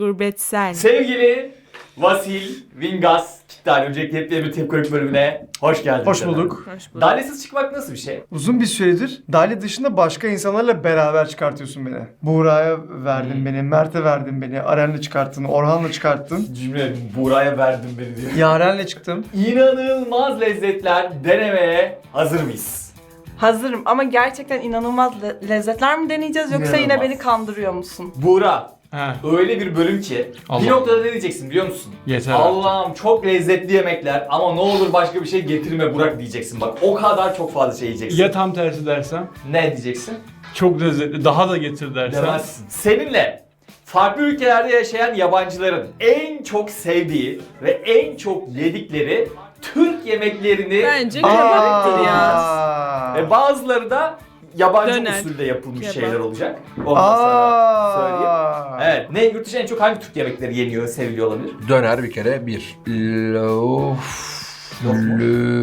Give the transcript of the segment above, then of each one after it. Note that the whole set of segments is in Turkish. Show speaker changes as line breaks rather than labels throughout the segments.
Gurbetsel.
Sevgili Vasil Vingas Kitlali, öncelikle hep bir tepkolik bölümüne hoş geldiniz.
Hoş bulduk.
Hoş bulduk.
Dalyasız çıkmak nasıl bir şey?
Uzun bir süredir Dali dışında başka insanlarla beraber çıkartıyorsun beni. Buğra'ya verdin beni, Mert'e verdin beni, Aren'le çıkarttın, Orhan'la çıkarttın.
Cümle Buğra'ya verdim beni diyor.
Yaren'le çıktım.
İnanılmaz lezzetler denemeye hazır mıyız?
Hazırım ama gerçekten inanılmaz lezzetler mi deneyeceğiz yoksa yine
İnanılmaz.
beni kandırıyor musun?
Buğra,
He.
öyle bir bölüm ki
Allah.
bir noktada ne diyeceksin biliyor musun?
Yeter
Allah'ım çok lezzetli yemekler ama ne olur başka bir şey getirme Burak diyeceksin bak. O kadar çok fazla şey yiyeceksin.
Ya tam tersi dersem?
Ne diyeceksin?
Çok lezzetli, daha da getir dersem?
Demezsin. Seninle farklı ülkelerde yaşayan yabancıların en çok sevdiği ve en çok yedikleri Türk yemeklerini
Bence kebaptır ya.
ve bazıları da yabancı
Döner.
usulde yapılmış
Kebap.
şeyler olacak. Ondan sonra söyleyeyim. Evet. Ne yurt dışında en çok hangi Türk yemekleri yeniyor, seviliyor olabilir?
Döner bir kere bir.
Yok mu?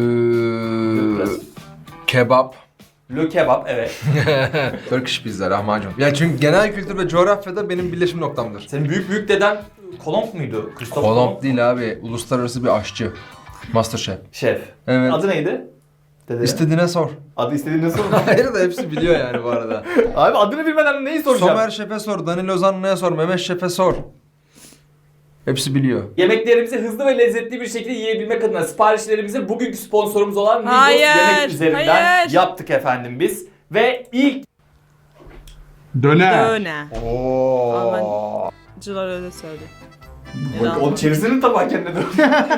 Kebap.
Le kebap evet.
Turkish pizza, lahmacun. Ya çünkü genel kültür ve coğrafyada benim birleşim noktamdır.
Senin büyük deden Kolomb muydu? Christoph
Kolomb değil abi, uluslararası bir aşçı. Masterchef.
Şef.
Evet.
Adı neydi? Dede.
İstediğine sor.
Adı istediğini sor.
Hayır da hepsi biliyor yani bu arada.
Abi adını bilmeden neyi soracağım?
Somer Şef'e sor, Danilo Zanna'ya sor, Mehmet Şef'e sor. Hepsi biliyor.
Yemeklerimizi hızlı ve lezzetli bir şekilde yiyebilmek adına siparişlerimizi bugünkü sponsorumuz olan Migros
Hayır,
Yemek üzerinden
hayır.
yaptık efendim biz. Ve ilk
Döner.
Döner.
Oo.
Almancılar öyle söylüyor.
bak, o çevirsinin tabağı kendine dön.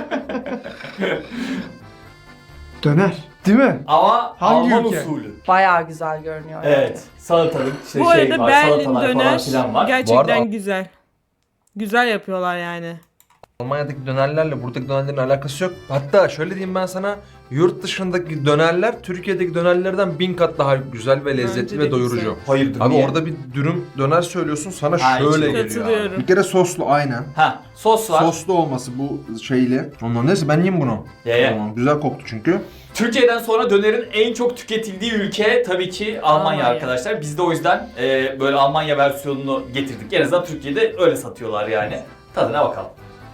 Döner. Değil mi?
Ama
Hangi
Alman
ülke?
usulü.
Bayağı güzel görünüyor.
Evet. Salatalık işte
Bu
şey
arada
var,
Berlin
salatalar falan
döner
filan var.
gerçekten
Bu arada-
güzel. Güzel yapıyorlar yani.
Almanya'daki dönerlerle buradaki dönerlerin alakası yok. Hatta şöyle diyeyim ben sana, yurt dışındaki dönerler Türkiye'deki dönerlerden 1000 kat daha güzel ve lezzetli
Bence de
ve doyurucu.
güzel.
Hayırdır
Abi
niye?
orada bir dürüm döner söylüyorsun, sana
Ha,
şöyle
içine
geliyor.
katılıyorum.
Abi. Bir kere soslu aynen.
Ha, sos var.
Soslu olması bu şeyli. Ondan neyse ben yiyeyim bunu.
Ye.
Tamam, güzel koktu çünkü.
Türkiye'den sonra dönerin en çok tüketildiği ülke tabii ki Almanya
Almanya.
arkadaşlar. Biz de o yüzden böyle Almanya versiyonunu getirdik. En azından Türkiye'de öyle satıyorlar yani. Tadına bakalım.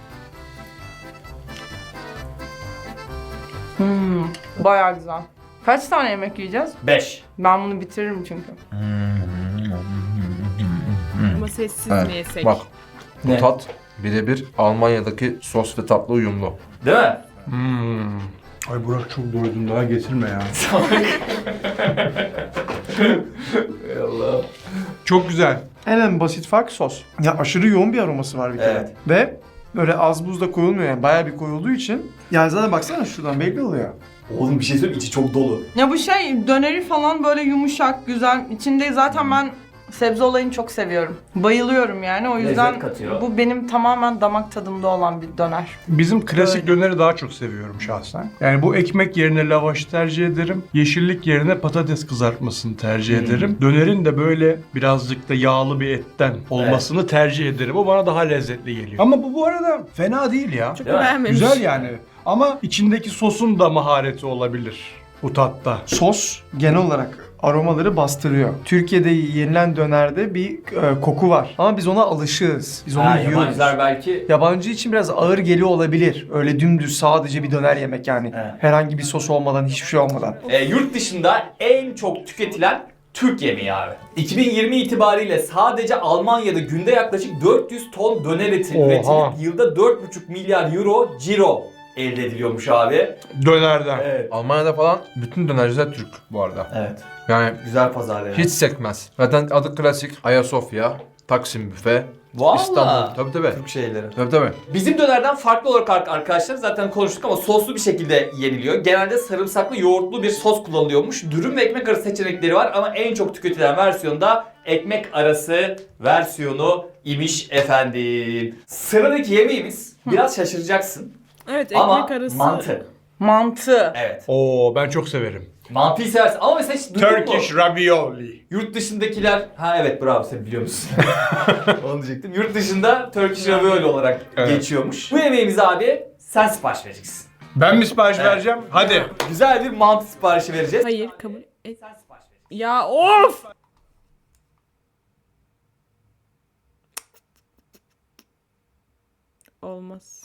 Bayağı güzel. Kaç tane yemek yiyeceğiz?
5.
Ben bunu bitiririm çünkü. Ama sessiz
Evet,
mi yesek?
bak bu
Ne?
tat birebir Almanya'daki sos ve tatlı uyumlu.
Değil mi?
Ay Burak çok doydum, daha getirme ya.
Ey Allah.
Çok güzel.
En basit fark sos. Ya aşırı yoğun bir aroması var bir kere.
Evet.
Ve böyle az buz da koyulmuyor yani bayağı bir koyulduğu için. Yani zaten baksana şuradan belli oluyor.
Oğlum bir şey söyleyeyim, içi çok dolu.
Ya bu şey döneri falan böyle yumuşak, güzel. İçinde zaten ben sebze olayını çok seviyorum. Bayılıyorum yani. O yüzden
Lezzet katıyor.
bu benim tamamen damak tadımda olan bir döner.
Bizim klasik
Öyle.
döneri daha çok seviyorum şahsen. Yani bu ekmek yerine lavaşı tercih ederim. Yeşillik yerine patates kızartmasını tercih ederim. Dönerin de böyle birazcık da yağlı bir etten olmasını tercih ederim. O bana daha lezzetli geliyor. Ama bu arada fena değil ya.
Çok
Değil mi?
beğenmemiş.
Güzel yani. Ama içindeki sosun da mahareti olabilir bu tatta.
Sos genel olarak aromaları bastırıyor. Türkiye'de yenilen dönerde bir koku var. Ama biz ona alışığız. Biz onu
Ha,
yiyoruz.
yabancılar belki
Yabancı için biraz ağır geliyor olabilir. Öyle dümdüz sadece bir döner yemek yani.
Evet.
Herhangi bir sos olmadan, hiçbir şey olmadan.
yurt dışında en çok tüketilen Türk yemeği abi. 2020 itibariyle sadece Almanya'da günde yaklaşık 400 ton döner eti
Oha.
üretilip yılda 4,5 milyar euro ciro elde ediliyormuş abi.
Dönerden.
Evet.
Almanya'da falan bütün dönerciler Türk bu arada.
Evet.
Yani
Güzel pazar yani.
hiç sekmez. Zaten adı klasik Ayasofya, Taksim Büfe,
Vallahi.
İstanbul. Tabii tabii.
Türk şeyleri.
Tabii.
Bizim dönerden farklı olarak arkadaşlar zaten konuştuk ama soslu bir şekilde yeniliyor. Genelde sarımsaklı yoğurtlu bir sos kullanılıyormuş. Dürüm ve ekmek arası seçenekleri var ama en çok tüketilen versiyonda ekmek arası versiyonu imiş efendim. Sıradaki yemeğimiz biraz şaşıracaksın
Evet, ekmek
ama
arası.
mantı.
Mantı.
Evet.
Oo, ben çok severim.
Mantıyı seversin ama mesela hiç duydun mu?
Turkish ravioli.
Yurt dışındakiler, ha evet bravo sen biliyor musun? Onu diyecektim. Yurt dışında Turkish ravioli olarak
Evet.
geçiyormuş. Bu yemeğimizi abi sen sipariş vereceksin.
Ben mi sipariş
Evet.
vereceğim? Hadi.
Güzel bir mantı siparişi vereceğiz.
Hayır, kabul et.
Sen sipariş vereceksin.
Ya of!
olmaz.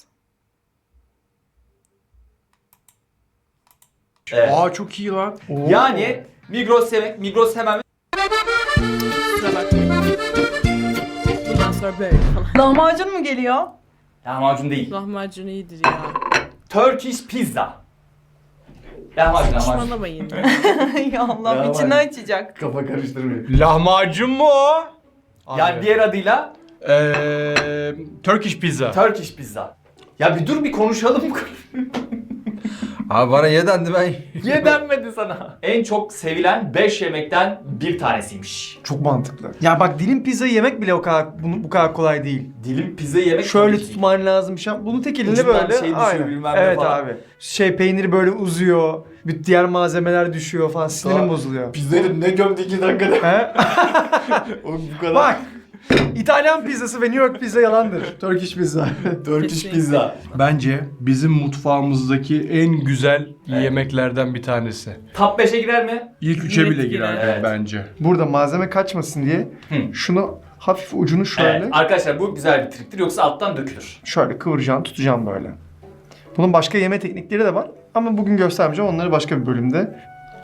Evet.
Aa çok iyi lan.
Yani Migros hemen
Kusura bakmayın. Bundan sonra böyle falan.
Lahmacun mu geliyor?
lahmacun değil.
Lahmacun iyidir ya.
Turkish pizza. Lahmacun.
Saçmalamayın ya.
Ya Allah'ım içini açacak.
Kafa karıştırmıyor.
Lahmacun mu o?
Yani diğer adıyla
Turkish pizza.
Turkish pizza. Ya bir dur bir konuşalım.
Abi bana ye dendi ben.
Niye denmedi sana? En çok sevilen 5 yemekten bir tanesiymiş.
Çok mantıklı. Ya bak dilim pizza yemek bile bu kadar kolay değil.
Dilim pizza yemek
Şöyle
tabii ki değil.
tutman lazım. Bunu tek elinle
Ucundan
böyle.
şey düşüyor, bilmem ne
Evet
falan.
abi. Peyniri böyle uzuyor. Bir diğer malzemeler düşüyor falan. Sinirim bozuluyor.
Pizzayı ne gömdü 2 dakikada.
He?
Oğlum bu kadar.
Bak. İtalyan pizzası ve New York pizza yalandır. Turkish pizza.
Turkish
Kesinlikle.
pizza.
Bence bizim mutfağımızdaki en güzel yemeklerden bir tanesi.
Top 5'e girer mi?
İlk 3'e bile
Net
girer
girer. Evet.
bence.
Burada malzeme kaçmasın diye şunu hafif ucunu şöyle
Evet. Arkadaşlar bu güzel bir triktir yoksa alttan dökülür.
şöyle kıvıracaksın, tutacaksın böyle. Bunun başka yeme teknikleri de var ama bugün göstermeyeceğim. Onları başka bir bölümde.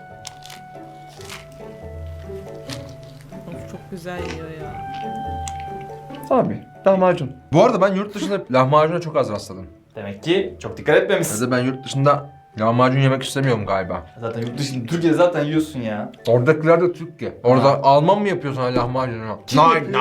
Of, çok güzel yiyor ya.
Abi lahmacun.
Bu arada ben yurt dışında lahmacuna çok az rastladım.
Demek ki çok dikkat etmemişsin.
Ya da ben yurt dışında lahmacun yemek istemiyorum galiba.
Zaten yurt dışında, Türkiye'de zaten yiyorsun ya.
Oradakiler de Türk ki. Orada Alman mı yapıyorsun hala lahmacunu? Nein.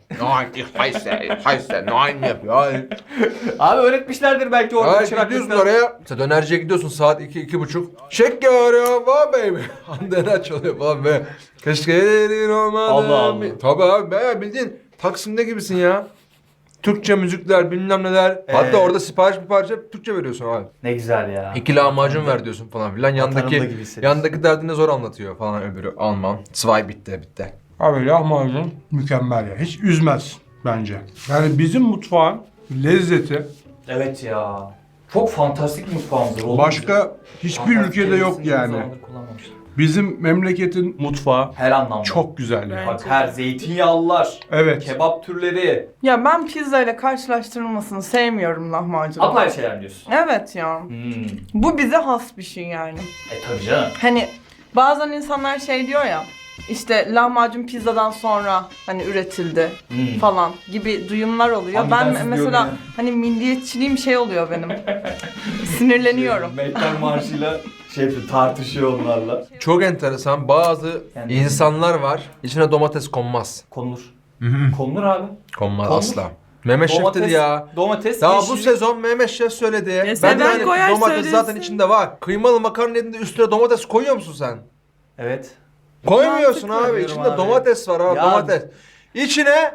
Nein yapıyor. Hayır.
Abi öğretmişlerdir belki orada
Hayır gidiyorsun
çıraklıkta.
oraya. İşte dönerciye gidiyorsun saat 2-2.30. Şeker ya var baby. Döner çalıyor falan be. Keşke elin olmadı.
Allah Allah.
Tabii abi be bildiğin Taksim'de gibisin ya. Türkçe müzikler bilmem neler. Hatta orada sipariş hep Türkçe veriyorsun abi.
Ne güzel ya.
2 lahmacun ver diyorsun falan filan.
Vatanımda gibi
Yandaki
hissediyorsun.
yandaki derdini zor anlatıyor falan öbürü Alman. Zwei bitti.
Abi lahmacun mükemmel ya. Hiç üzmez bence. Yani bizim mutfağın lezzeti
Evet ya. Çok fantastik bir mutfağımız var. oğlum.
başka hiçbir
Fantastik
ülkede yok
kelimesini
yani.
uzun zamandır kullanmamıştım.
Bizim memleketin mutfağı
Her anlamda.
çok güzel yani.
Bak her zeytinyağlılar,
Evet.
kebap türleri,
Ya ben pizza ile karşılaştırılmasını sevmiyorum lahmacunu.
apayrı şeyler diyorsun.
Evet ya. Bu bize has bir şey yani.
Tabii canım.
Hani bazen insanlar şey diyor ya, işte lahmacun pizzadan sonra hani üretildi falan gibi duyumlar oluyor.
Hangi
Ben
tanesi
mesela
diyorum ya?
hani milliyetçiliğim şey oluyor benim. Sinirleniyorum.
Meytan Marşı'yla tartışıyor onlarla.
Çok enteresan bazı
Yani-
insanlar var. İçine domates konmaz.
Konulur. Konulur abi.
Konmaz
Konur.
asla. Mehmet Şef dedi ya.
Domates,
Daha bu
yeşillik.
sezon Mehmet Şef söyledi.
sen
de hani
koyar
domates
söylesin.
zaten içinde var. Kıymalı makarna edinde üstüne domates koyuyor musun sen?
Evet.
Koymuyorsun
Mantıklı
abi.
diyorum
İçinde
abi.
domates var abi
Ya-
domates. İçine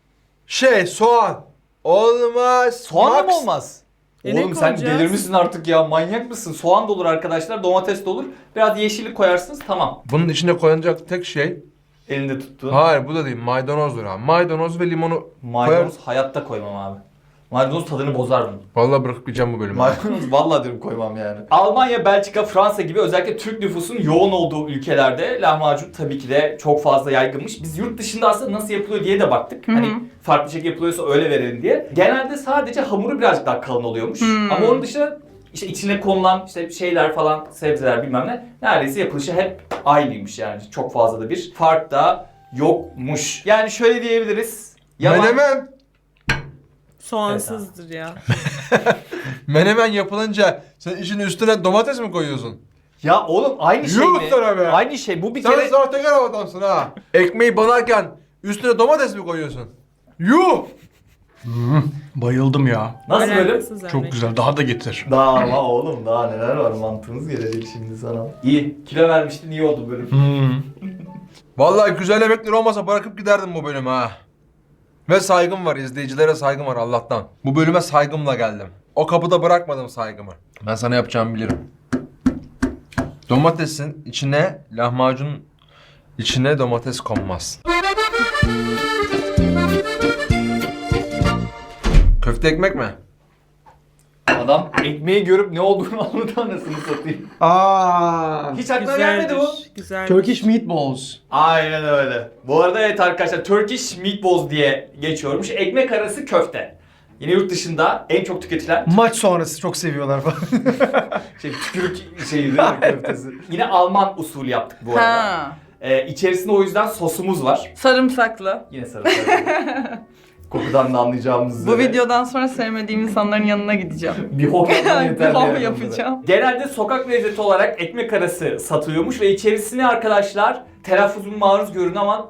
soğan. Olmaz.
Soğan da mı
Max.
olmaz?
Ne
Oğlum sen
koyacağız?
delirmişsin artık ya, manyak mısın? Soğan da olur arkadaşlar, domates de olur. Biraz yeşillik koyarsınız, tamam.
Bunun içine koyulacak tek şey.
Elinde tuttuğun.
Hayır bu da değil maydanozdur abi. Maydanoz ve limonu
Maydanoz hayatta koymam abi. Maydanoz tadını bozar bunu.
Vallahi bırakıp gideceğim bu bölümü.
Maydanoz vallahi diyorum koymam yani. Almanya, Belçika, Fransa gibi özellikle Türk nüfusun yoğun olduğu ülkelerde lahmacun tabii ki de çok fazla yaygınmış. Biz yurt dışında aslında nasıl yapılıyor diye de baktık. Hani farklı şekilde yapılıyorsa öyle verelim diye. Genelde sadece hamuru birazcık daha kalın oluyormuş. Ama onun dışında işte içine konulan işte şeyler falan, sebzeler bilmem ne, neredeyse yapılışı hep aynıymış yani. Çok fazla da bir fark da yokmuş. Yani şöyle diyebiliriz.
Menemen.
Soğansızdır ya.
Menemen yapılınca sen işin üstüne domates mi koyuyorsun?
Ya oğlum aynı şey
Yuh
mi?
sana be!
Aynı şey. Bu bir
Sen
kere...
sahtekar adamsın ha. Ekmeği banarken üstüne domates mi koyuyorsun? Yuh!
Bayıldım ya.
Nasıl bölüm?
Alakasız
Çok
örnek.
güzel. Daha da getir.
Daha ama oğlum daha neler var, mantığınız gelecek şimdi sana. İyi. Kilo vermiştin, iyi oldu bölüm.
Vallahi güzel yemekler olmasa bırakıp giderdim bu bölümü ha. Ve saygım var, izleyicilere saygım var Allah'tan. Bu bölüme saygımla geldim. O kapıda bırakmadım saygımı. Ben sana yapacağımı bilirim. Domatesin içine, lahmacun içine domates konmaz. Köfte ekmek mi?
Adam ekmeği görüp ne olduğunu anladı, anasını satayım. Hiç aklına gelmedi bu.
Güzel.
Turkish meatballs.
Aynen öyle. Bu arada evet arkadaşlar, Turkish meatballs diye geçiyormuş. Ekmek arası köfte. Yine yurt dışında en çok tüketilen
Maç sonrası çok seviyorlar falan.
tükürük şeyi değil mi köftesi. Yine Alman usulü yaptık bu arada.
Ha.
İçerisinde o yüzden sosumuz var.
Sarımsaklı.
Yine sarımsak. Kokudan da anlayacağımız
Bu
üzere.
videodan sonra sevmediğim insanların yanına gideceğim.
Bir hok yapmam yeterli.
Bir hok
yani
yapacağım.
onlara. Genelde sokak lezzeti olarak ekmek arası satılıyormuş ve içerisine arkadaşlar telaffuzum maruz görün ama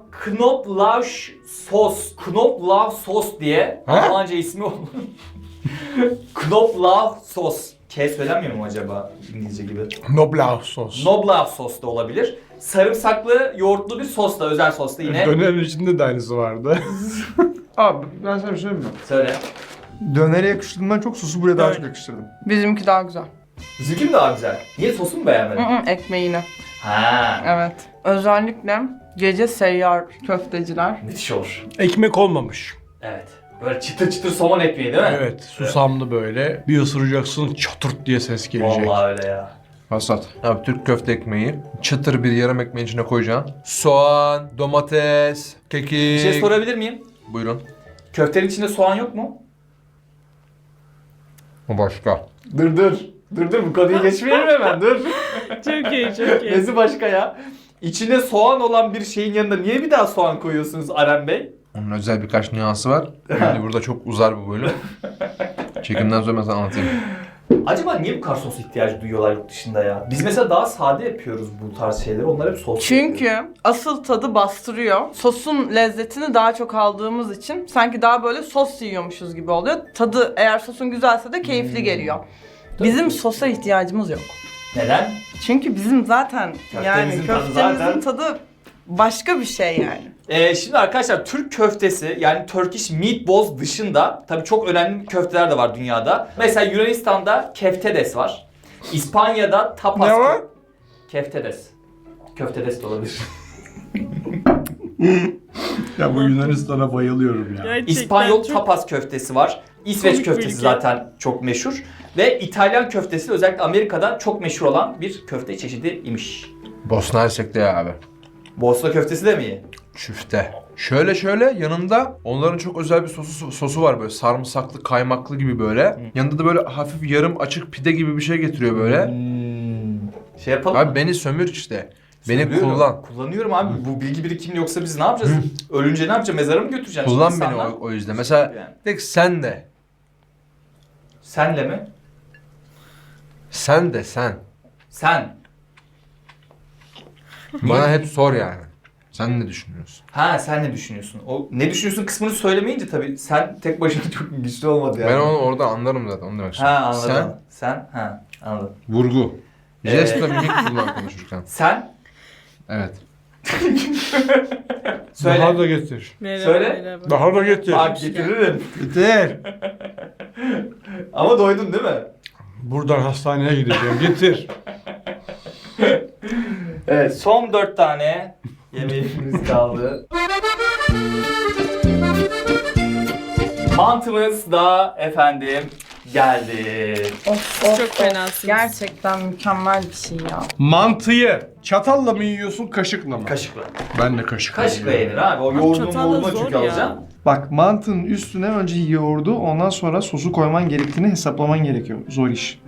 Knoblauch sos diye
Ha?
Almanca ismi olur. Knoblauch sos. K söylenmiyor mu acaba İngilizce gibi?
Knoblauch sos.
Knoblauch sos da olabilir. Sarımsaklı, yoğurtlu bir sos da, özel sos da yine.
Dönerin içinde de aynısı vardı.
Abi ben sana bir şey söyleyeyim mi?
Söyle.
Dönere yakıştırdığımdan çok sosu buraya daha
Evet.
çok yakıştırdım.
Bizimki daha güzel.
Bizimki mi daha güzel? Niye sosu mu beğenmedin?
Ekmeğini.
Ha.
Evet. Özellikle gece seyyar köfteciler.
Müthiş olur.
Ekmek olmamış.
Evet. Böyle çıtır çıtır somon ekmeği değil mi?
Evet, susamlı böyle. Bir ısıracaksın, çatırt diye ses gelecek.
Vallahi öyle ya.
Hasat.
Abi Türk köfte ekmeği çıtır bir yarım ekmeğin içine koyacaksın. Soğan, domates, kekik.
Bir şey sorabilir miyim?
Buyurun.
Köftenin içinde soğan yok mu?
O başka.
Dur. Dur bu konuyu geçmeyelim hemen dur.
Çok iyi, çok iyi.
Nesi başka ya? İçinde soğan olan bir şeyin yanında niye bir daha soğan koyuyorsunuz Aren Bey?
Onun özel birkaç nüansı var. Şimdi burada çok uzar bu bölüm. Çekimden sonra ben sana anlatayım.
Acaba niye bu kadar sos ihtiyacı duyuyorlar yurt dışında ya? Biz mesela daha sade yapıyoruz bu tarz şeyleri. Onlar hep sos
Çünkü
yapıyor.
asıl tadı bastırıyor. Sosun lezzetini daha çok aldığımız için sanki daha böyle sos yiyormuşuz gibi oluyor. Tadı eğer sosun güzelse de keyifli geliyor. Bizim sosa ihtiyacımız yok.
Neden?
Çünkü bizim zaten yani
Köftemizin tadı
köftemizin
zaten-
tadı başka bir şey yani.
Şimdi arkadaşlar Türk köftesi yani Turkish meatballs dışında tabii çok önemli köfteler de var dünyada. Mesela Yunanistan'da keftedes var. İspanya'da tapas.
Ne var?
Keftedes. Köftedes de olabilir.
Ya bu Yunanistan'a bayılıyorum ya.
Gerçekten
İspanyol
çok
tapas köftesi var. İsveç
komik bir
köftesi
ülke.
zaten çok meşhur. Ve İtalyan köftesi özellikle Amerika'da çok meşhur olan bir köfte çeşidi imiş.
Bosna Hersek'te ya abi.
Bosna köftesi de mi iyi?
Çüfte. Şöyle yanında onların çok özel bir sosu var böyle sarımsaklı kaymaklı gibi böyle. Yanında da böyle hafif yarım açık pide gibi bir şey getiriyor böyle.
Şey yapalım
Abi
mı?
beni sömür işte. Beni
Söylüyorum.
kullan.
Kullanıyorum abi. Bu bilgi birikimli yoksa biz ne yapacağız? Ölünce ne yapacağız? Mezara mı götüreceksin?
Kullan
Şimdi
beni
insanlar?
o yüzden. Mesela
Yani.
tek sen de.
Senle mi?
Sen de sen.
Sen.
Bana hep sor yani. Sen ne düşünüyorsun?
Ha sen ne düşünüyorsun? O ne düşünüyorsun kısmını söylemeyince tabii sen tek başına çok güçlü olmadı yani.
Ben onu orada anlarım zaten onu demek
Ha
istiyorum.
anladım. Sen ha anladım.
Sen vurgu. Jest ve mimik kullan konuşurken.
Sen
Evet.
söyle.
Daha da getir.
Merhaba,
Söyle.
merhaba.
Daha da getir.
Bak getiririm.
Getir.
Ama doydun değil mi?
Buradan hastaneye gideceğim. Getir.
Evet son 4 tane yemeğimiz kaldı. Mantımız da efendim geldi.
Çok fenasınız.
Gerçekten mükemmel bir şey ya.
Mantıyı çatalla mı yiyorsun, kaşıkla mı?
Kaşıkla.
Ben de kaşıkla.
Kaşıkla yenir abi. O yoğurdun
çatalla
moğurdunu
zor
çünkü
ya.
alacaksın.
Bak mantının üstüne önce yoğurdu ondan sonra sosu koyman gerektiğini hesaplaman gerekiyor. Zor iş.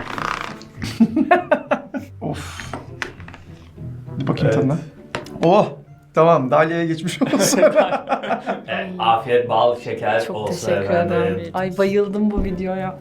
Of. Bir bakayım
Evet.
tadına. Oh. Tamam Dalya'ya geçmiş olsun.
Evet, afiyet, bal, şeker
Çok
olsun
teşekkür
efendim.
ederim. Ay bayıldım bu videoya.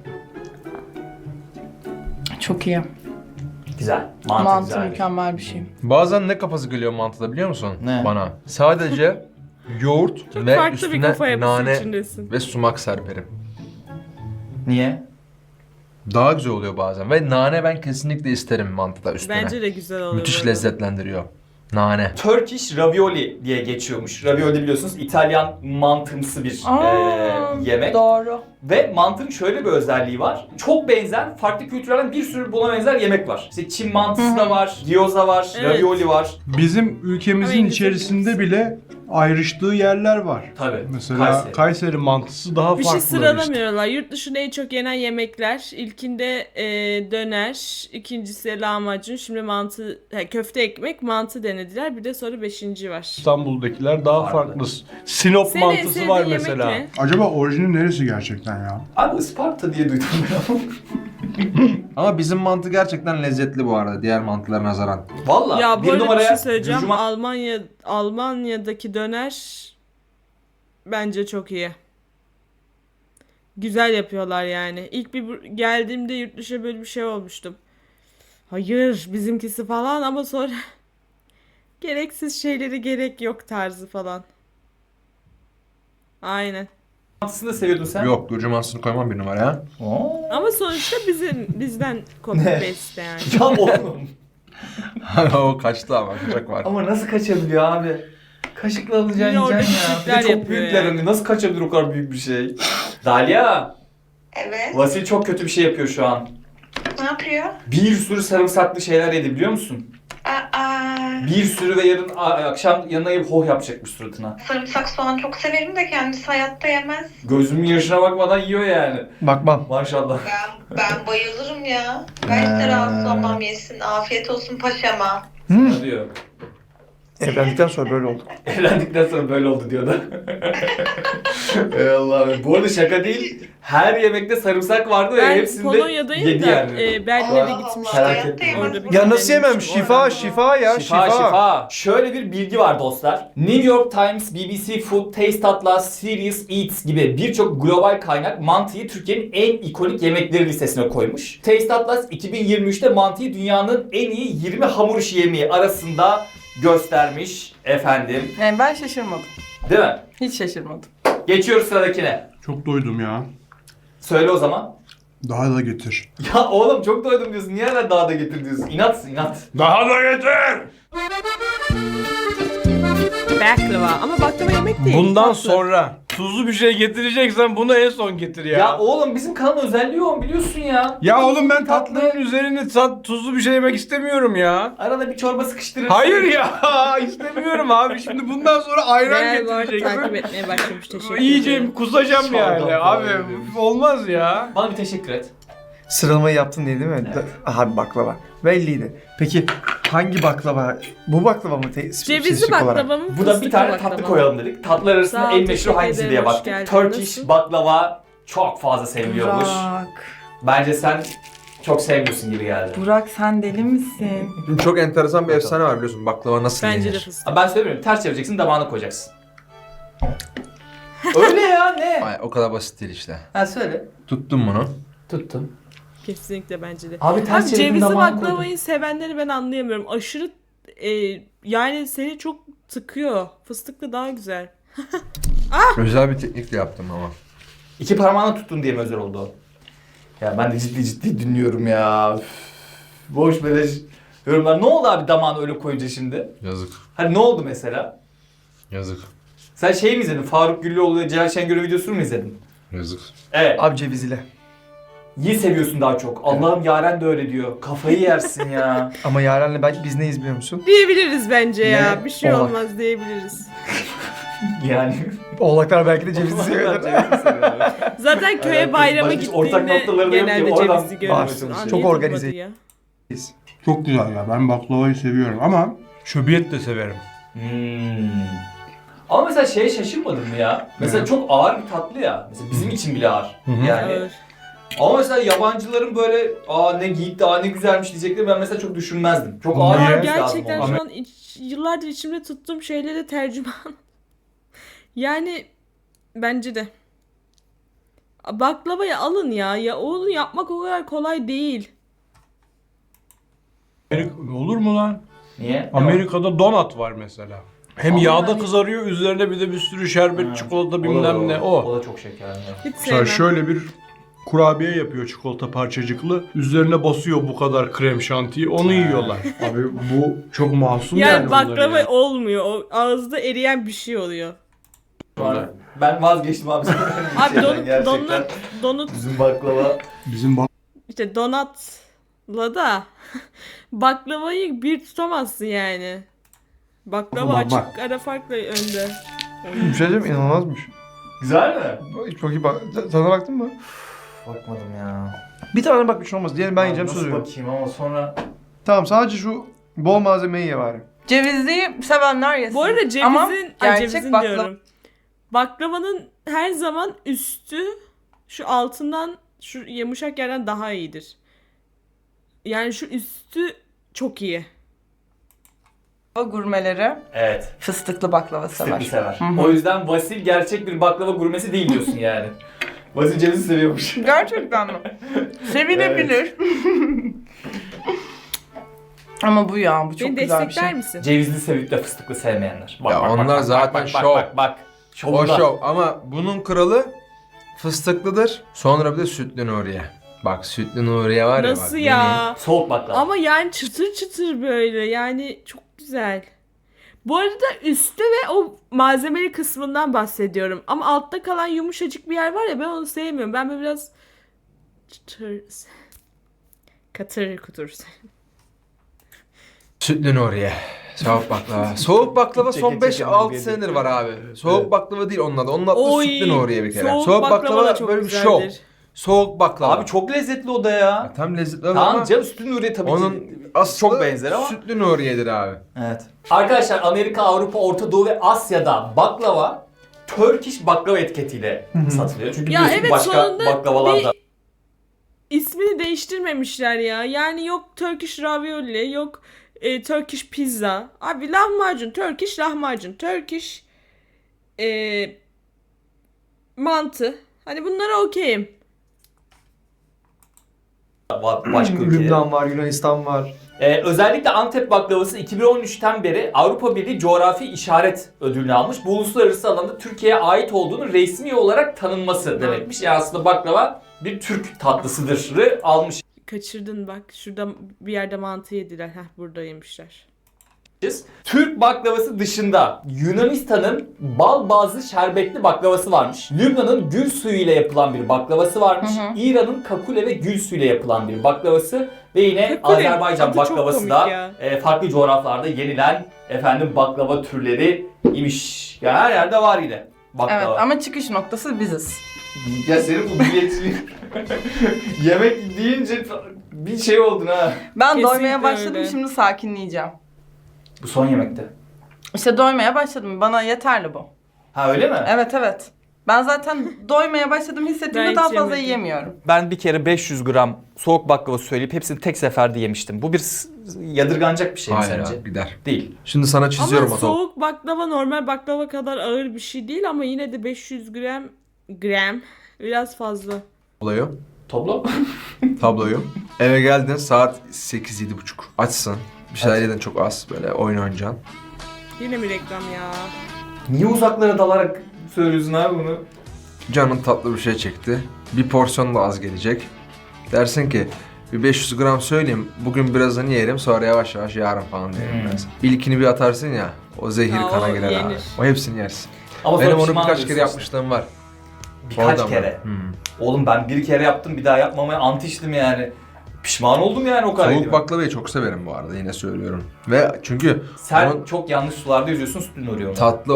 Çok iyi.
Güzel. Mantı,
Mantı
güzel.
mükemmel bir şey.
Bazen ne kafası geliyor mantıda biliyor musun?
Ne?
Bana. Sadece yoğurt
Çok
ve
farklı bir
üstüne
kafa yapısı
nane
içindesin.
ve sumak serperim.
Niye?
Daha güzel oluyor bazen ve nane ben kesinlikle isterim mantıda üstüne.
Bence de güzel oluyor.
Müthiş
böyle.
lezzetlendiriyor. Nane.
Turkish ravioli diye geçiyormuş. Ravioli biliyorsunuz İtalyan mantımsı bir yemek.
Doğru.
Ve mantının şöyle bir özelliği var. Çok benzer, farklı kültürlerden bir sürü buna benzer yemek var. İşte Çin mantısı da var, gyoza var,
Evet.
ravioli var.
Bizim ülkemizin
Ama
içerisinde bile ayrıştığı yerler var.
Tabii.
Mesela Kayseri mantısı daha
Bir
farklı.
şey sıralamıyorlar. Yurt dışında en çok yenen yemekler. İlkinde döner, ikincisi lahmacun, şimdi mantı, köfte ekmek, mantı denediler. Bir de sonra 5. var.
İstanbul'dakiler daha
Farklı.
farklı. Sinop
Senin
mantısı
sevdiğin
var
yemek
mesela.
ne?
Acaba orijini neresi gerçekten ya?
Abi Isparta diye duydum ya.
Ama bizim mantı gerçekten lezzetli bu arada diğer mantılara nazaran.
Valla
Ya bu
bir
arada bir
numaraya
şey söyleyeceğim.
Gürcüman-
Almanya'daki döner bence çok iyi. Güzel yapıyorlar yani. İlk bir geldiğimde yurt dışına böyle bir şey olmuştum. Hayır bizimkisi falan ama sonra gereksiz şeyleri gerek yok tarzı falan. Aynen.
mantısını da seviyordun sen.
Yok Gürcü mantısını koymam bir numaraya.
Oo.
Ama sonuçta bizden copy paste yani.
Ya oğlum.
O kaçtı ama kaçak var.
Ama nasıl kaçabiliyor abi? Kaşıkla alacaksın
Yine orada
yiyeceksin ya. Bir de
küçükler
çok
yapıyor
büyükler
yani.
hani. Nasıl kaçabilir o kadar büyük bir şey? Dalia,
Evet.
Vasil çok kötü bir şey yapıyor şu an.
Ne yapıyor?
Bir sürü sarımsaklı şeyler yedi biliyor musun?
Aa,
Bir sürü ve yarın akşam yanına gelip hoh yapacakmış suratına.
sarımsak soğan çok severim de kendisi hayatta yemez.
Gözümün yaşına bakmadan yiyor yani.
Bakmam.
Maşallah.
Ben bayılırım ya. Ben hiç de rahatsız olmam yesin. Afiyet olsun paşama.
Ne diyor?
Evlendikten sonra böyle oldu.
Evlendikten sonra böyle oldu diyor da. Ey Allah'ım. Bu arada şaka değil. Her yemekte sarımsak vardı ve
Ben
hepsinde
Polonya'dayım
yedi
da
yani.
Berlin'e de
Allah
gitmiştim.
Allah,
Merak
hayatta
etme.
yemez.
Orada bir
Ya nasıl yemem?
denemiştim.
Şifa, şifa ya,
Şifa. Şöyle bir bilgi var dostlar. New York Times, BBC Food, Taste Atlas, Serious Eats gibi birçok global kaynak mantıyı Türkiye'nin en ikonik yemekleri listesine koymuş. Taste Atlas 2023'te mantıyı dünyanın en iyi 20 hamur işi yemeği arasında göstermiş efendim.
Yani ben şaşırmadım.
Değil mi?
Hiç şaşırmadım.
Geçiyoruz sıradakine.
Çok doydum ya.
Söyle o zaman.
Daha da getir.
Ya oğlum çok doydum diyorsun. Niye hala daha da getir diyorsun? İnatsın inat.
Daha da getir!
Baklava ama baklava yemek değil.
Bundan
tatlı.
sonra tuzlu bir şey getireceksen bunu en son getir ya.
Ya oğlum bizim kanalın özelliği o biliyorsun ya.
Ya oğlum ben tatlının üzerine tuzlu bir şey yemek istemiyorum ya.
Arada bir çorba sıkıştırırsın.
Hayır ya istemiyorum abi. Şimdi bundan sonra ayran
Değer bu arada takip
getireceksin.
etmeye başlamış. Teşekkür
Yiyeceğim
ederim.
kusacağım
Şalgam
yani
falan
abi.
yiyoruz.
Olmaz ya.
Bana bir teşekkür et.
Sıralamayı yaptın diye değil mi? Aha baklava. Belliydi. Peki hangi baklava? Bu baklava mı?
Cevizli
spesifik olarak?
baklava mı?
Bu da bir
fıstıklı
tane
baklava
tatlı
mı?
koyalım dedik. Tatlılar arasında
Sağ ol,
en meşhur
teşekkür
hangisi
ederim,
diye
hoş
baktık.
geldin.
Turkish
Nasıl?
baklava çok fazla seviliyormuş.
Burak.
Bence sen çok sevmiyorsun gibi geldi.
Burak sen deli misin?
Çok enteresan bir efsane var biliyorsun baklava nasıl
Bence de
yenir?
fıstık.
Ben söylemiyorum. Ters çevireceksin, damağına koyacaksın. Öyle ya ne?
Ay, o kadar basit değil işte.
Ha söyle.
Tuttum bunu.
Tuttum.
Kesinlikle bence de.
Abi ters
Abi
çevirdin,
cevizli
damağına
baklavayı
koydun.
sevenleri ben anlayamıyorum. Aşırı yani seni çok tıkıyor. Fıstıklı daha güzel.
Özel bir teknikle yaptım ama.
İki parmağına tuttun diye mi özel oldu o? Ya ben de ciddi dinliyorum ya. Üf. Boş beleş yorumlar. Ne oldu abi damağını öyle koyunca şimdi?
Yazık.
Hani ne oldu mesela?
Yazık.
Sen şey mi izledin? Faruk Güllüoğlu ile Celal Şengör'ün videosunu mu izledin?
Yazık.
Evet.
Abi ceviz ile.
İyi seviyorsun daha çok. Allah'ım Yaren de öyle diyor. Kafayı yersin ya.
Ama Yaren'le belki biz neyiz biliyor musun?
Diyebiliriz bence ya.
Ne?
Bir şey
Oğlak.
olmaz diyebiliriz.
Yani.
Oğlaklar belki de cevizi seviyorlar.
Zaten köye
Alakası-
bayrama
başka hiç ortak
gittiğinde
noktaları da yok ki,
genelde
oradan
cevizi görürsün.
var.
Aa,
Çok
niye
organize.
tutmadı ya?
Çok güzel ya. Ben baklavayı seviyorum ama şöbiyet de severim.
Ama mesela şeye şaşırmadın mı ya? Mesela çok ağır bir tatlı ya. Mesela bizim için bile ağır.
hı.
Yani.
Ağır.
Ama mesela yabancıların böyle ne gitti, ne güzelmiş diyecekleri ben mesela çok düşünmezdim. Çok ağır
Niye?
Aa,
olması lazım
gerçekten
ona.
şu an yıllardır içimde tuttuğum şeylere tercüman. Yani bence de. Baklavayı alın ya. Ya onu yapmak o kadar kolay değil.
Olur mu lan?
Niye?
Amerika'da donut var mesela. Hem
Ama
yağda
hani-
kızarıyor, üzerine bir de bir sürü şerbet,
Ha,
çikolata bilmem ne o.
O da çok şekerli.
Hiç
Mesela
sevmem.
şöyle bir kurabiye yapıyor çikolata parçacıklı. Üzerine basıyor bu kadar krem şantiyi. Onu yiyorlar. Abi bu çok masum
Yani baklava olmuyor. O ağızda eriyen bir şey oluyor.
Ben vazgeçtim abi.
Abi
Gerçekten.
donut
Bizim baklava.
Bizim
işte donatla da baklavayı bir tutamazsın yani. Baklava
Bak,
açık
bak.
ara farkla önde.
Bir şey diyeyim mi? İnanılmazmış.
Güzel mi?
Çok iyi bak. Sana baktın mı?
Bakmadım ya.
Bir tane bak bir şey olmaz. Diğerini ben yiyeceğim
Nasıl
söz veriyorum.
bakayım ama sonra...
Tamam sadece şu bol malzemeyi ye bari.
Cevizliyi sevenler yesin.
Bu arada cevizin,
Ama
ay,
gerçek
cevizin
baklava-
diyorum. Baklavanın her zaman üstü şu altından, şu yumuşak yerden daha iyidir. Yani şu üstü çok iyi.
Gurmeleri
Evet.
fıstıklı baklava sever.
Fıstıklı sever.
Hı hı.
O yüzden Vasil gerçek bir baklava gurmesi değil diyorsun yani. Vasil cevizi seviyormuş.
Gerçekten mi? Sevilebilir. Ama bu ya, bu çok
Beni
güzel bir
destekler
şey.
misin?
Cevizli sevip de fıstıklı sevmeyenler. Bak,
Ya
bak,
onlar
bak,
zaten
bak, bak,
şov.
Bak bak.
O
Şovunda.
şov ama bunun kralı fıstıklıdır. Sonra bir de sütlü Nuriye. Bak sütlü Nuriye var ya
Nasıl
bak.
ya?
Soğuk baklava.
Ama yani çıtır çıtır böyle, yani çok güzel. Bu arada üstte ve o malzemeli kısmından bahsediyorum. Ama altta kalan yumuşacık bir yer var ya, ben onu sevmiyorum. Ben böyle biraz çıtır, katır kutur.
Sütlü Nuriye. Soğuk baklava. Soğuk baklava son
Çeke çeke
5-6
Nuriye
senedir
diyor.
var abi. Soğuk baklava değil onun adı. Onun adı
Oy,
sütlü Nuriye bir kere.
soğuk baklava da çok
böyle bir
güzeldir.
şov. Soğuk baklava.
Abi çok lezzetli o da ya.
Tam lezzetli
Tamam
ama
canım, sütlü Nuriye tabii
onun
ki
aslı
çok benzer ama.
sütlü Nuriye'dir abi.
Evet. Arkadaşlar Amerika, Avrupa, Orta Doğu ve Asya'da baklava Turkish baklava etiketiyle satılıyor. Çünkü
Ya
biliyorsun
evet,
başka
sonunda
baklavalar da.
İsmini değiştirmemişler ya. Yani yok Turkish ravioli, yok Turkish pizza. Abi lahmacun, Turkish lahmacun, Turkish mantı. Hani bunlara okeyim.
Başka ülkeler.
Lübnan var, Yunanistan var.
Özellikle Antep baklavası 2013'ten beri Avrupa Birliği Coğrafi İşaret Ödülünü almış. Bu uluslararası alanda Türkiye'ye ait olduğunu resmi olarak tanınması demekmiş. Yani aslında baklava bir Türk tatlısıdır almış.
Kaçırdın bak. Şurada bir yerde mantı yediler. Heh, burada yemişler.
Türk baklavası dışında Yunanistan'ın bal bazlı şerbetli baklavası varmış. Lübnan'ın gül suyu ile yapılan bir baklavası varmış.
Hı hı.
İran'ın kakule ve gül suyu ile yapılan bir baklavası ve yine
Kakule,
Azerbaycan
adı çok
baklavası
komik
da
ya.
farklı coğrafyalarda yenilen baklava türleri imiş. Ya her yerde var yine baklava.
Evet ama çıkış noktası biziz.
Ya senin bu milliyetçiliğin yemek deyince bir şey oldun ha.
Ben
Kesinlikle
doymaya başladım,
öyle.
şimdi sakinleyeceğim.
Bu son yemekte.
İşte doymaya başladım, bana yeterli bu.
Ha öyle mi?
Evet evet. Ben zaten doymaya başladım hissettiğimde
Ben
daha
hiç
fazla
yemedim.
yiyemiyorum.
Ben bir kere 500 gram soğuk baklava söyleyip hepsini tek seferde yemiştim. Bu bir yadırganacak bir şey mi
Hayır
sence?
abi gider.
Değil.
Şimdi sana çiziyorum
Ama
o topu.
soğuk baklava normal baklava kadar ağır bir şey değil ama yine de 500 gram biraz fazla.
Tabloyu. Eve geldin saat 8-7.30. Açsın. Bir şeyler yedin çok az böyle oyun oynayacaksın.
Yine mi reklam ya?
Niye uzaklara dalarak söylüyorsun abi bunu?
Canın tatlı bir şey çekti. Bir porsiyon da az gelecek. Dersin ki bir 500 gram söyleyeyim. Bugün birazını yerim sonra yavaş yavaş yarın falan yerim biraz. İlkini bir atarsın ya. O zehir
Ya,
kana
o
girer abi.
yenir.
O hepsini yersin.
Ama sonra
Benim onu
pişman
birkaç kere
oluyorsun
yapmışlığım var.
işte. Birkaç
Oradan
kere.
ben.
Oğlum ben bir kere yaptım, bir daha yapmamaya ant içtim yani. Pişman oldum yani o kadar.
Soğuk
yediğime.
baklavayı çok severim bu arada yine söylüyorum. Ve çünkü
Sen
onun
çok yanlış sularda yüzüyorsun, sütün uğruyor.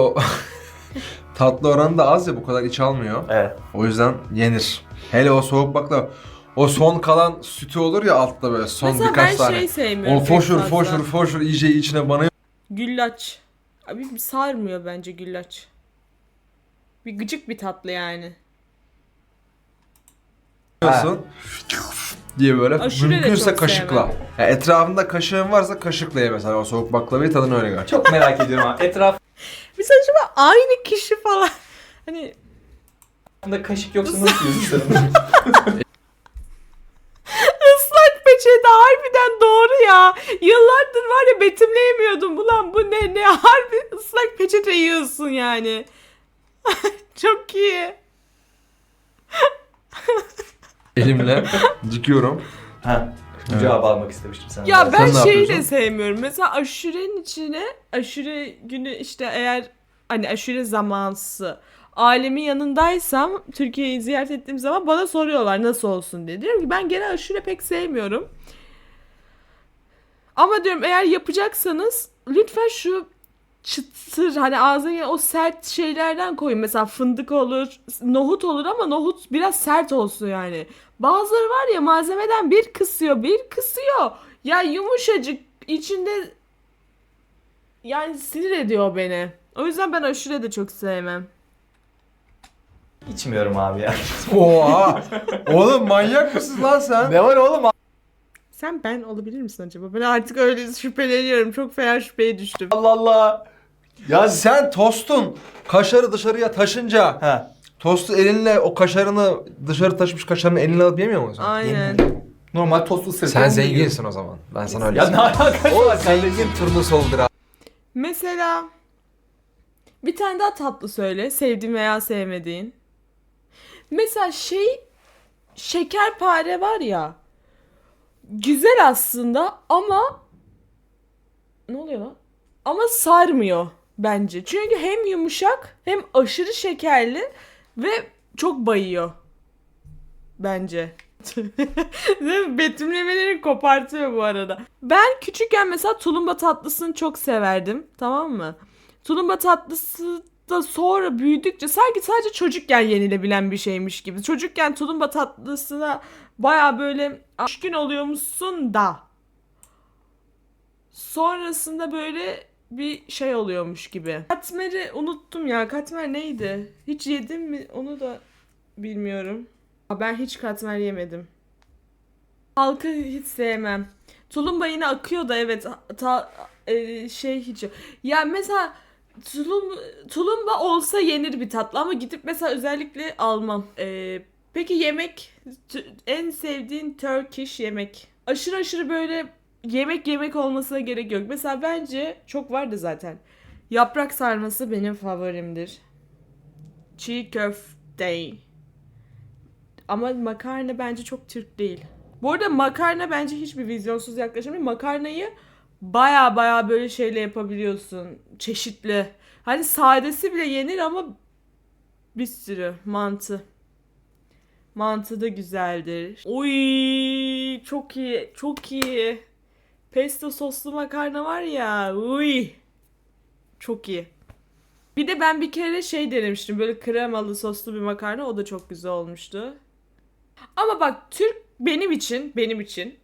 tatlı oranı da az ya bu kadar iç almıyor.
Evet.
O yüzden yenir. Hele o soğuk baklava. O son kalan sütü olur ya altta böyle son
Mesela
birkaç
ben
tane.
şey sevmiyorum.
O
çok
foşur
fazla.
foşur foşur iyice içine banıyor.
Güllaç. Abi sarmıyor bence güllaç. Bir gıcık bir tatlı yani.
diye böyle
Aşure de
mümkünse
çok
kaşıkla.
sevmem.
Ya etrafında kaşığın varsa kaşıkla ye mesela o soğuk baklavayı tadını öyle gör.
Çok merak ediyorum abi. Etrafında
Mesela acaba aynı kişi falan. Hani
kaşık yoksa nasıl yiyorsun sen onu?
ıslak peçete harbiden doğru ya. Yıllardır var ya betimleyemiyordum. Ulan bu ne harbi ıslak peçete yiyorsun yani. Çok iyi.
Elimle dikiyorum.
Ha. Bu cevabı almak istemiştim senden.
Ya ben
Sen ne
şeyi de
yapıyorsun?
sevmiyorum. Mesela aşurenin içine aşure günü işte eğer hani aşure zamansı ailemin yanındaysam Türkiye'yi ziyaret ettiğim zaman bana soruyorlar nasıl olsun diye. Diyorum ki ben genel aşure pek sevmiyorum. Ama diyorum eğer yapacaksanız lütfen şu çıtır hani ağzına o sert şeylerden koyun. Mesela fındık olur, nohut olur ama nohut biraz sert olsun yani. Bazıları var ya malzemeden bir kısıyor, bir kısıyor. Ya yumuşacık içinde yani sinir ediyor beni. O yüzden ben aşure de çok sevmem.
İçmiyorum abi ya.
Oha! Oğlum manyak mısın lan sen?
Ne var oğlum?
Sen ben olabilir misin acaba? Ben artık öyle şüpheleniyorum. Çok fena şüpheye düştüm.
Allah Allah. Ya
Sen tostun kaşarı dışarıya taşınca
Ha.
tostu elinle o kaşarını dışarı taşımış kaşarını elinle alıp yemiyor musun?
Aynen.
Normal tost ısırıp
Sen
onu
zenginsin
yiyorum.
o zaman. Ben sana öyle
Ya ne
söyleyeyim.
alakası
O
var kardeşim?
zengin turnusoludur abi.
Mesela bir tane daha tatlı söyle. Sevdiğin veya sevmediğin. Mesela şekerpare var ya. Güzel aslında ama ne oluyor lan? Ama sarmıyor bence. Çünkü hem yumuşak hem aşırı şekerli ve çok bayıyor. Bence. Betimlemeleri kopartıyor bu arada. Ben küçükken mesela tulumba tatlısını çok severdim. Tamam mı? Tulumba tatlısı da sonra büyüdükçe sanki sadece çocukken yenilebilen bir şeymiş gibi. Çocukken tulumba tatlısına baya böyle düşkün oluyormuşsun da. Sonrasında böyle bir şey oluyormuş gibi. Katmer'i unuttum ya. Katmer neydi? Hiç yedim mi? Onu da bilmiyorum. Ben hiç katmer yemedim. Halkı hiç sevmem. Tulumba yine akıyor da evet. Hiç. Ya mesela tulumba olsa yenir bir tatlı ama gidip mesela özellikle almam. Peki yemek en sevdiğin Turkish yemek. Aşırı böyle yemek olmasına gerek yok. Mesela bence çok vardı zaten. Yaprak sarması benim favorimdir. Çiğ köfte. Ama makarna bence çok Türk değil. Bu arada makarna bence hiçbir vizyonsuz yaklaşım değil. Makarnayı baya böyle şeyle yapabiliyorsun. Çeşitli. Hani sadesi bile yenir ama bir sürü mantı. Mantı da güzeldir. Oy çok iyi. Çok iyi. Pesto soslu makarna var ya. Uy. Çok iyi. Bir de ben bir kere denemiştim. Böyle kremalı soslu bir makarna. O da çok güzel olmuştu. Ama bak benim için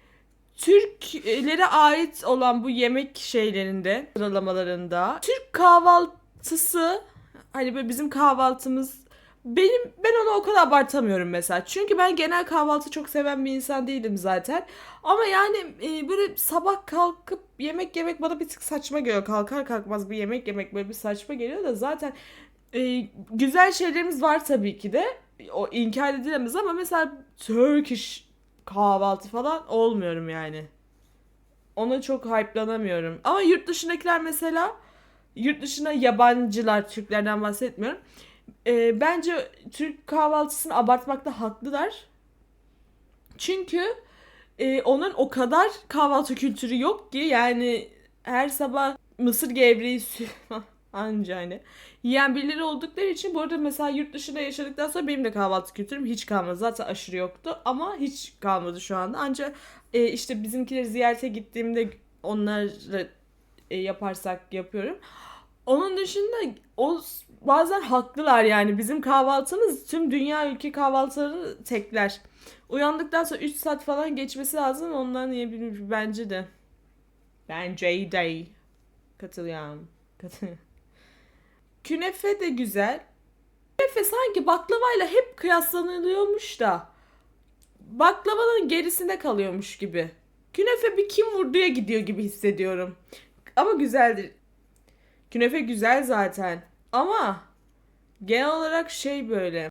Türklere ait olan bu yemek şeylerinde, sıralamalarında Türk kahvaltısı hani böyle bizim kahvaltımız ben onu o kadar abartamıyorum mesela. Çünkü ben genel kahvaltı çok seven bir insan değilim zaten. Ama yani böyle sabah kalkıp yemek bana bir tık saçma geliyor. Kalkar kalkmaz bir yemek böyle bir saçma geliyor da zaten güzel şeylerimiz var tabii ki de. O inkar edilemez ama mesela Turkish kahvaltı falan olmuyorum yani. Ona çok hype'lanamıyorum. Ama yurt dışındakiler mesela yurt dışına yabancılar, Türklerden bahsetmiyorum. Bence Türk kahvaltısını abartmakta haklılar. Çünkü onun o kadar kahvaltı kültürü yok ki yani her sabah mısır gevreği anca hani yiyen birileri oldukları için bu arada mesela yurt dışında yaşadıktan sonra benim de kahvaltı kültürüm hiç kalmadı. Zaten aşırı yoktu ama hiç kalmadı şu anda. Ancak işte bizimkileri ziyarete gittiğimde onları yaparsak yapıyorum. Onun dışında bazen haklılar yani bizim kahvaltımız tüm dünya ülke kahvaltılarını tekler. Uyandıktan sonra 3 saat falan geçmesi lazım ondan yiyebilir bence de. Bence de. Katılıyorum. Künefe de güzel. Künefe sanki baklavayla hep kıyaslanılıyormuş da baklavanın gerisinde kalıyormuş gibi. Künefe bir kim vurduya gidiyor gibi hissediyorum. Ama güzeldir. Künefe güzel zaten. Ama genel olarak böyle.